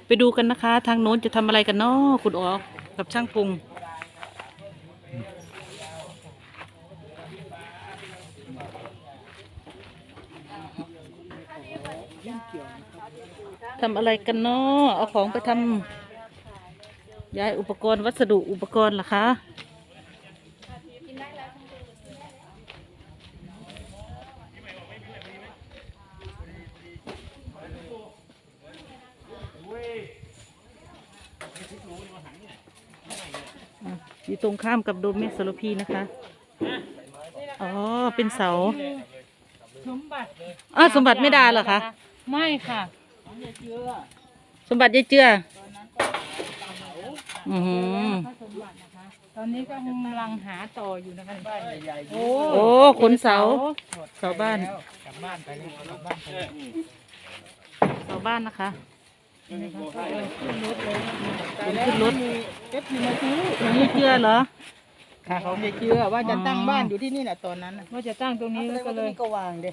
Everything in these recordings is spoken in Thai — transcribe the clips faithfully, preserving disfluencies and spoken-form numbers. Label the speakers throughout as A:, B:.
A: ไปดูกันนะคะ ทางโน้นจะทำอะไรกันเนาะคุณอ๋อกับช่างพุงทำอะไรกันเนาะเอาของไปทำย้ายอุปกรณ์วัสดุอุปกรณ์เหรอคะอยู่ตรงข้ามกับโดมเมสโซโลพีนะคะอ๋อเป็นเสา
B: สมบัติ
A: อ้าวสมบัติไม่ได้เหรอคะ
B: ไม่ค่ะ
A: สมบัติยายเจืออือหือ
B: สมบัตินะคะตอนนี้ก็กำลังหาต่ออยู่นะคะโอ้
A: โอ้ขนเสาเสาบ้าน
B: กลับบ้านไปเลยกลับบ้านไปเลย
A: เสาบ้านนะคะ
B: ขึ้นรถเลย
A: ขึ้นรถ
B: เอฟซีมาซื้อ
A: ของยายเจือเหรอ
B: ค่ะเขาไม่เชื่อว่าจะตั้งบ้านอยู่ที่นี่แหละตอนนั้นว่าจะตั้งตรงนี้ก็เลย
C: ก็วางเด้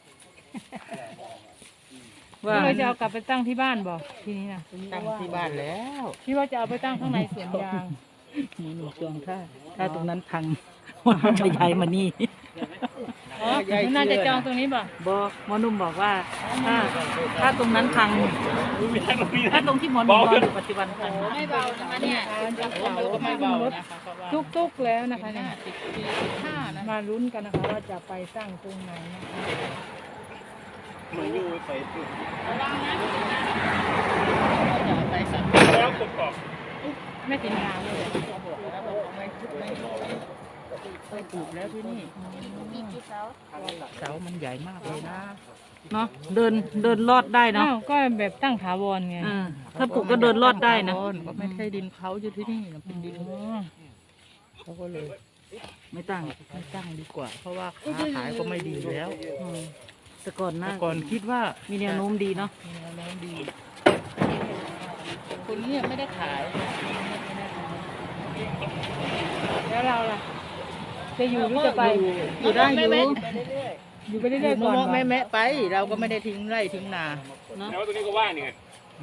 B: ว่าเราจะเอากลับไปตั้งที่บ้านบอกทีนี้นะ
C: ตั้งที่บ้านแล้ว
B: ที่ว่าจะเอาไปตั้งข้างในสวนยาง
A: มีหนูจองถ้าถ้าตรงนั้นพังจะย้ายมานี่
B: อ๋อน่าจะจองตรงนี้ป่ะ
A: บอกหมอนุ่มบอกว่าถ้าถ้าตรงนั้นพังถ้าตรงที่หมอนุ่มนอนอยู่ปัจจุบันพัง
B: ไม่เบานะคะเนี่ยก็ไม่เบาทุกทุกแล้วนะคะเนี่ยมาลุ้นกันนะคะว่าจะไปสร้างตรงไหนนะคะ
D: มาอยู่ไปตุ่ม
B: ไปสั่ง
D: แล้วกรอบ
B: ไม่ติดงานเลยไม่ไม่ไปปลูกแล้วที่นี่เสามันใหญ่มากเลยนะ
A: เนาะเดินเดินลอดได้เนาะ
B: ก็แบบตั้งถาวรไง
A: ถ้าปลูกก็เดินลอดได้นะ
B: ก็ไม่ใช่ดินเขาอยู่ที่นี่เป็นดินเขาก็เลย
A: ไม่ตั้ง
B: ไม่ตั้งดีกว่าเพราะว่าค้าขายก็ไม่ดีแล้ว
A: แต่ก่อนนะ
B: ก่อนคิดว่า
A: มีแนวโน้มดีเนาะ
B: มีแนวโน้มดีคนนี้ไม่ได้ขายแล้วเราล่ะจะอยู่หรือจะไป
A: อยู่ได้อยู่
B: อยู่ไปเรื่อยๆก่อนแม่แม่ไปเราก็ไม่ได้ทิ้งไร่ทิ้งนา
D: แล้วตรงนี้ก็ว่างนี่ไง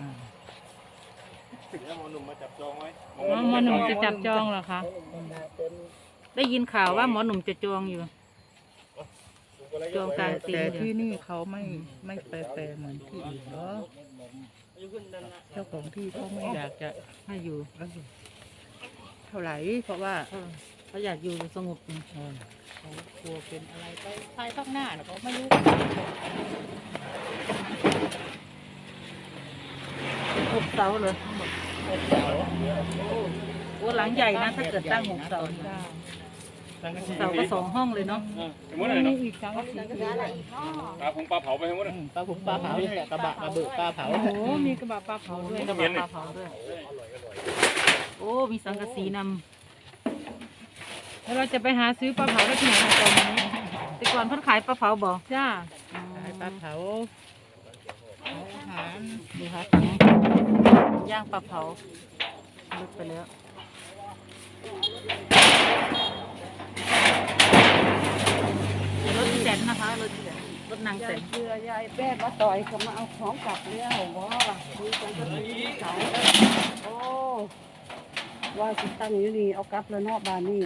D: แล้วหมอหนุ่มมาจับจองไว้
B: หมอหนุ่มจะจับจองเหรอคะ
A: ได้ยินข่าวว่าหมอหนุ่มจะจองอยู่จองกลางตี
B: แต่ที่นี่เขาไม่ไม่แปรๆเหมือนที่อื่นเนาะเจ้าของที่เขาไม่อยากจะ
A: ให้อยู่
B: เท่าไหร่เพราะว่า
A: เขาอยากอยู่สงบ
B: เขากลัวเป็นอะไรไปภายข้างหน้าเขาไม่รู้
A: หกเสาเลยหกเสาโอ้หลังใหญ่นะถ้าเกิดตั้งหกเสาเสาก็สองห้องเลยเนาะ
B: มีอีกสองสี
D: ปลาผงปลาเผาไปทั้งหมด
B: ปลาผงปลาเผานี่แหละกระบะปลาเบิกปลาเผาโอ้โหมีกระบะปลาเผาด้วย
A: กระบะปลาเผาด้วยโอ้มีสังกะสีน
B: ำแล้วเราจะไปหาซื้อปลาเผาได้ที่ไหนตอนนี้
A: แต่ก่อนเพิ่นขายปลาเผาบอก
B: จ้าขายปลาเผาอาหาร
A: ดูค่ะย่างปลาเผาลึกไปแล้วรถแสนนะคะรถแสนรถนางแสน
C: เชื่อยายแป้มาต่อยก็มาเอาของกลับแล้วว่าดูกันก็ดีเสาโอ้ว่าสิตั้งอยู่นี่เอากลับแล้วนอกบ้านนี่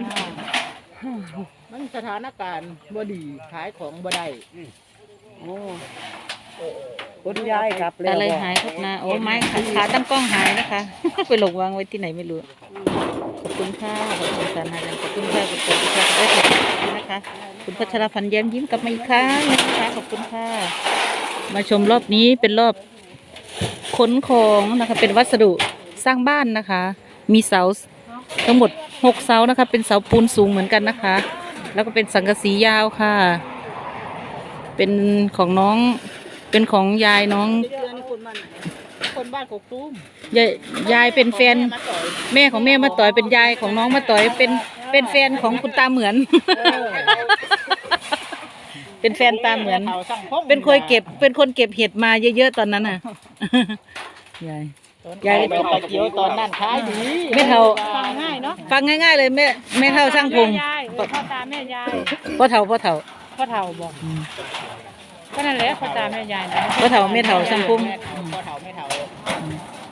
B: มันสถานการณ์บ่ดีขายของบ่ได้
C: โอ้คนยายกลับแล้ว
A: อะไรหายทุกนาโอ้ไม้ขาตั้งกล้องหายนะคะไปหลงวางไว้ที่ไหนไม่รู้ขอบคุณค่ะขอบคุณสารนาขอบคุณค่ะขอบคุณค่ะได้ขอบคุณนะคะคุณพัชรพันธ์แย้มยิ้มกลับมาอีกครั้งนะคะขอบคุณค่ะมาชมรอบนี้เป็นรอบขนของนะคะเป็นวัสดุสร้างบ้านนะคะมีเสาทั้งหมดหกเสานะคะเป็นเสาปูนสูงเหมือนกันนะคะแล้วก็เป็นสังกะสียาวค่ะเป็นของน้องเป็นของยายน้อง
B: คนบ้านกกตูม
A: ยายยายเป็นแฟนแม่ของแม่มาต่อยเป็นยายของน้องมาต่อยเป็นเป็นแฟนของคุณตาเหมือนเป็นแฟนตาเหมือนเป็นคนเก็บเป็นคนเก็บเห็ดมาเยอะๆตอนนั้นน่ะยาย
B: ยายไปเกี่ยวตอนนั้นขายดี
A: ไม่เท่า
B: ฟังง่ายเนาะ
A: ฟังง่ายๆเลยแม่แม่เท่าช่างพุง
B: พ่อตาแม่ยาย
A: พ่อเท่าพ่อเท่า
B: พ่อเท่าบอกก็นั่นแหละพ่อตาแม่ยายนะ
A: พ่อเท่าแม่เท่าช่างพุง
B: พ่อเท่าแม่เท่า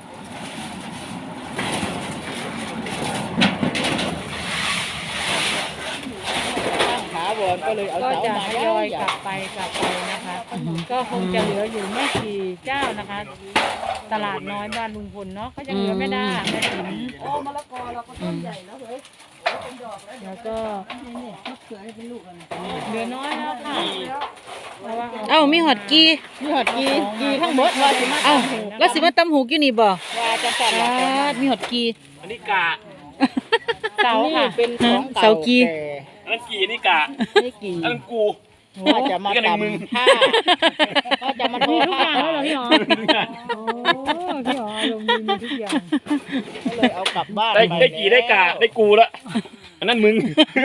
B: ก็เลยเอาก็จะทยอยกลับไปกลับไปนะคะ ก็คงจะเหลืออยู่ไม่กี่เจ้านะคะ ตลาดน้อยบ้านลุงพลเนาะก็ยังเหลือไม่ได้แม่ติ๋ม
C: โอ้มะละกอเราก็ต้นใหญ่แล้วเฮ้ย
B: แล้วก็
C: นี่นี่มะเขือให้เป็นลูกอ่ะ
B: เหลือน้อยแล้วค่ะเพราะว่า
A: เอ้ามีหอดกี
B: มีหอดกีกีทั้งหมดว่าสิมา
A: เอ้าแล้วสิมาตำหูกอยู่นี่บ่
B: ว่าจะสั่น
A: อ่ามีหอดกี
D: อันนี้กะ
B: เสาค่ะ
E: เป็นของ
A: เสา
E: เก่า
A: กี
E: แก่
D: อันนั้นกี่อันนี้กะ
E: ไม่กี่
D: อันนั้นกู
E: ว่าจะมา
D: นี่ก็หนึ่งมึง
E: ตำผ้าก็จะมาทอ
B: มีทุก
E: ผ้า
B: อย่างแล้วเหรอพี่หอโอ้พี่หอลงมีมีทุกอย่าง
E: ก็เลยเอากลับบ้าน
D: ได้
E: ป
D: ได้กี่ได้กะได้กูละอันนั้นมึง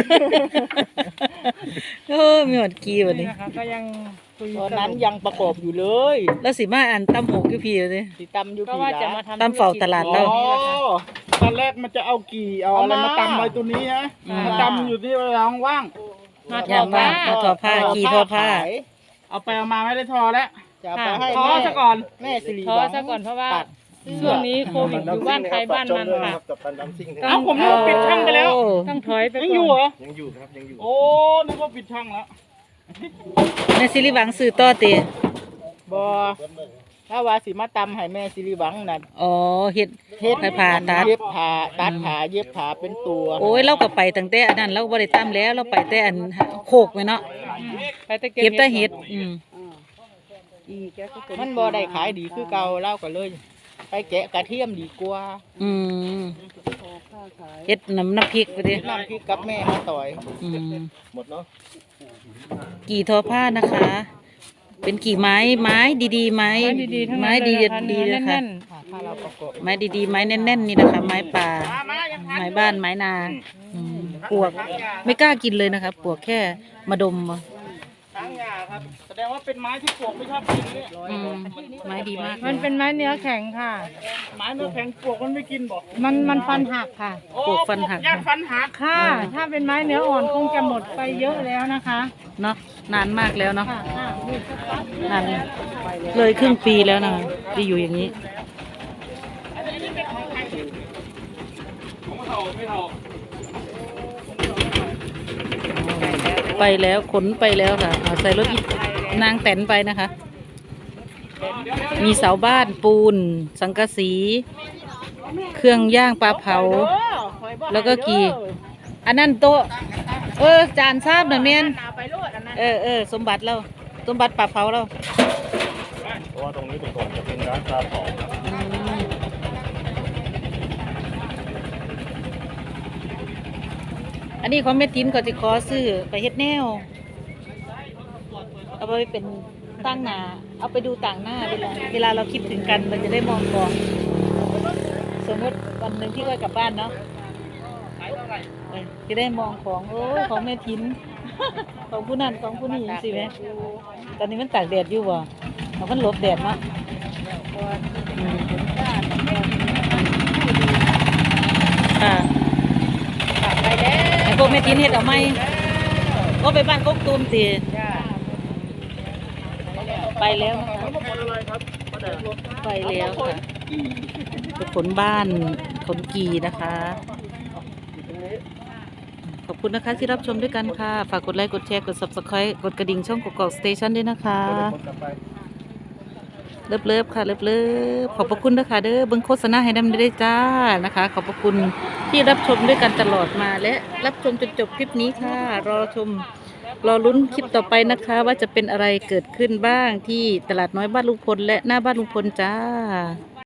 A: โอ้มีหอดกีวัน
B: นี่
A: นี้
B: นะคะก็ยังคุย
E: ตอนนั้นยังประกอบอยู่เลย
A: แล้วสิมาอ่านตำหูกอยู่พี่เลย
E: สิตำอยู่
B: ก็
E: กี่
B: ว่าจะ
E: ละ
B: มาทำ
A: ตามเฝ้าตลาด
E: อ๋
A: เรา
E: อ
F: ตอนแรกมันจะเอากี่เอาอะไรมาตำไว้ตัวนี้ฮะ
A: อืม
F: มาตำอยู่ที่เวลาว่าง
B: มาท
A: ย่า
B: อง
A: ว่า
B: ผ้า
A: มาทอผ้ากีทอผ้า
E: ขาย
F: ๆเอาไปเอามาไม่ได้ทอแล้ว
E: จะเอาไปให้
F: ทอ
E: แม่
F: ซะก่อน
E: แม่สิริ
B: ทอ
E: วัง
B: ซะก่อนเพราะว่า
E: ตัด
B: ช่วงนี้โควิดอยู่บ้านใครบ้านมันค่ะ
F: เอ้าผมนึกว่าปิดช่างไปแล้ว
A: โอ้
B: ต้องถอยไป
F: ยัง
B: ก่
F: อยู่
B: อ
F: เหร
B: น
F: อยังอยู่ครับยังอยู่โอ้นึกว่าปิดช่างแล้ว
A: ในสิริวังซื้อต่อเต
E: บอถ้าว่าสิมาตำให้แม่สิริวังน่ะ
A: อ๋อเฮ็ดเฮ็ดให้ผ่าตัด
E: เย็บผ้าตัดผ้าเย็บผ้าเป็นตัว
A: โอ้ยเราก็ไปตั้งแต่อันนั้นเราบ่ได้ตำแล้วเราไปแต่อันโคกไว้เนาะ
B: ไปตะ
A: เก็บแต่เฮ็ดอืม
C: อีแกก็เป็น
E: มันบ่ได้ขายดีคือเก่าเล่าก็เลย ไปแกะกระเทียมดีกว่า
A: อืม
C: พอค่าขาย
A: เฮ็ดน้ำน้ำพริกไปดิ
E: น้ำพริกกับแม่มาต่อย
A: อืม
F: หมดเนาะ
A: กี่ทอผ้านะคะ เป็นกี่ไม้ไม้ดีๆไม้
B: ไม้ดีๆทั้ง
A: ไม้
B: นั้นเล
A: ดี
B: ยนะคะ
A: ดี
B: เนื้อ
A: นะคะ
B: แน่น
E: ค่ะถ้าเราประกอบ
A: ไม้ดีๆไม้แน่นๆนี่นะคะ ไม้ป่า ไม้บ้านไม้นาอืมปวกไม่กล้ากินเลยนะคะ ปวกแค่มาดมเอา
F: ช้างยาครับ แสดงว่าเป็นไม้ที่ปลวกไม่ชอบกินเนี่ย
A: อืมไม้ดีมาก
B: ๆมันเป็นไม้เนื้อแข็งค่ะ
F: ไม้เนื้อแข็งปลวกมันไม่กินบอก
B: มันมันฟันหักค่ะ
F: โอ้
A: ปวกฟันหัก
F: ญาติฟันหัก
B: ค่ะ ถ้าเป็นไม้เนื้ออ่อนคงจะหมดไปเยอะแล้วนะคะ
A: เนาะนานมากแล้วเนาะ
B: ค่ะค่ะนี่สักพัก
A: นานเลยครึ่งปีแล้วนะคะที่อยู่อย่างนี้
D: ผมเท่าไม่เท่า
A: ไปแล้วขนไปแล้วค่ะเอาใส่รถอีนางแตนไปนะคะ มีเสาบ้านปูน สังกะสี เครื่องย่างปลาเผา แล้วก็กี่ อันนั้นโต๊ะเออจานทราบหน่อยเมนเออเออสมบัติเราสมบัติปลาเผาเรา
D: เพราะว่าตรงนี้เป็นก่อนจะเป็นร้านปลาเผา
A: อืมอันนี้ของแม่ตินก็จะขอซื้อไปเฮ็ดแนว เอาไปเป็นตั้งหน้าเอาไปดูต่างหน้าเวลาเวลาเราคิดถึงกันเราจะได้มองกองสมมติวันหนึ่งที่เรากลับบ้านเนาะเออจะได้มองของโอ้ยของแม่ทิน ของผู้นั้นของผู้นี้สิแม่ตอนนี้มันตากแดดอยู่บ่เอามันหลบแดดเนาะอืมค่ะไอ้พวกแม่ทินเฮ็ดเอาไหมก็ไปบ้านกกตูมตีไปแล้วนะคะไปแล้วค่ะไปขนบ้านขนกีนะคะ ขอบคุณนะคะที่รับชมด้วยกันค่ะ ฝากกดไลค์ กดแชร์ กด ซับสไครบ์ กดกระดิ่งช่องกกอกสเตชันด้วยนะคะ เลิฟเลิฟค่ะ เลิฟเลิฟขอบพระคุณนะคะเด้อเบิ่งโฆษณาให้ดำได้จ้านะคะ ขอบพระคุณที่รับชมด้วยกันตลอดมาและรับชมจนจบคลิปนี้ค่ะ รอชม รอลุ้นคลิปต่อไปนะคะ ว่าจะเป็นอะไรเกิดขึ้นบ้างที่ตลาดน้อยบ้านลุงพลและหน้าบ้านลุงพลจ้า